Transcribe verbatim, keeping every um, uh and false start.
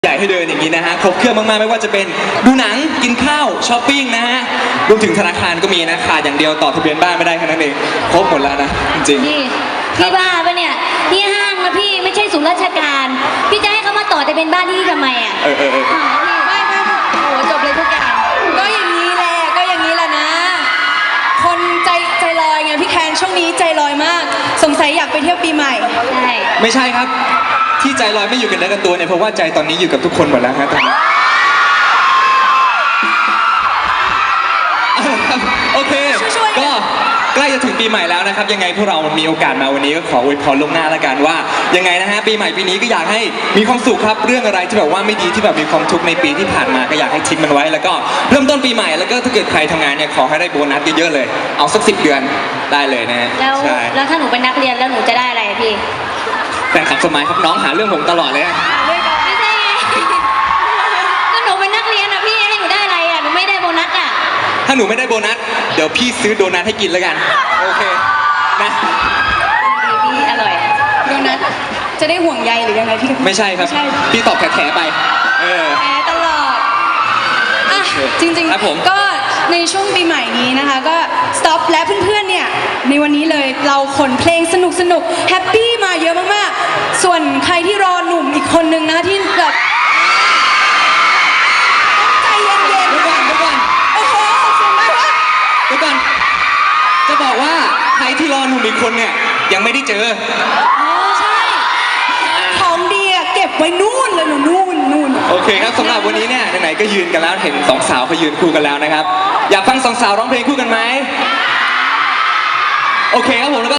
ใหญ่ให้เดินอย่างนี้นะฮะครบเครื่องมากๆไม่ว่าจะเป็นดูหนังกินข้าวช้อปปิ้งนะฮะรวมถึงธนาคารก็มีนะขาดอย่างเดียวต่อทะเบียนบ้านไม่ได้แค่นั้นเองครบหมดแล้วนะจริงๆพี่พี่บ้าปะเนี่ยที่ห้างนะพี่ไม่ใช่ศูนย์ราชการพี่จะให้เขามาต่อทะเบียนบ้านที่นี่ทำไมอ่ะเออเออเออพี่ไม่ไม่โอ้โหจบเลยทุกอย่างก็อย่างนี้แหละก็อย่างนี้แหละนะ คนใจใจลอยไงพี่แคนช่วงนี้ใจลอยมาก สงสัยอยากไปเที่ยวปีใหม่ใช่ไม่ใช่ครับที่ใจลอยไม่อยู่กันเนื้อกันตัวเนี่ยเพราะว่าใจตอนนี้อยู่กับทุกคนหมดแล้วฮะตอนนี้โอเคก็ใกล้จะถึงปีใหม่แล้วนะครับยังไงพวกเรามีโอกาสมาวันนี้ก็ขออวยพรล่วงหน้าละกันว่ายังไงนะฮะปีใหม่ปีนี้ก็อยากให้มีความสุขครับเรื่องอะไรที่แบบว่าไม่ดีที่แบบมีความทุกข์ในปีที่ผ่านมาก็อยากให้ทิ้งมันไว้แล้วก็เริ่มต้นปีใหม่แล้วก็ถ้าเกิดใครทำงานเนี่ยขอให้ได้โบนัสเยอะๆเลยเอาสักสิบเดือนได้เลยนะฮะแล้วใช่แล้วถ้าหนูเป็นนักเรียนแล้วหนูจะได้อะไรอะพี่แฟนคลับสมัยครับน้องหาเรื่องผมตลอดเลยอะไม่ใช่ไงก็หนูเป็นนักเรียนอะพี่ให้หนูได้อะไรอะหนูไม่ได้โบนัสอะถ้าหนูไม่ได้โบนัสเดี๋ยวพี่ซื้อโดนัทให้กินแล้วกันโอเคนะพี่อร่อยโดนัทจะได้ห่วงใยหรือยังไงพี่ไม่ใช่ครับไม่ใช่พี่ตอบแถๆไปเออแพ้ตลอดอ่ะจริงครับผมๆก็ในช่วงปีใหม่นี้นะคะก็ Stop และเพื่อนๆเนี่ยในวันนี้เลยเราขนเพลงสนุกสนุกแฮปปี้มาเยอะมากๆส่วนใครที่รอหนุ่มอีกคนนึงนะที่แบบใจเย็นเดี๋ยวก่อนเดี๋ยวก่อนๆโอ้โหเสียงมากวะเดี๋ยวก่อนจะบอกว่าใครที่รอหนุ่มอีกคนเนี่ยยังไม่ได้เจออ๋อใช่ของดีอะเก็บไว้นู่นเลยหนูนู่นนู่นโอเคครับสำหรับวันนี้เนี่ยไหนๆก็ยืนกันแล้วเห็นสองสาวเขายืนคู่กันแล้วนะครับอยากฟังสองสาวร้องเพลงคู่กันไหมโอเคครับผมแล้วก็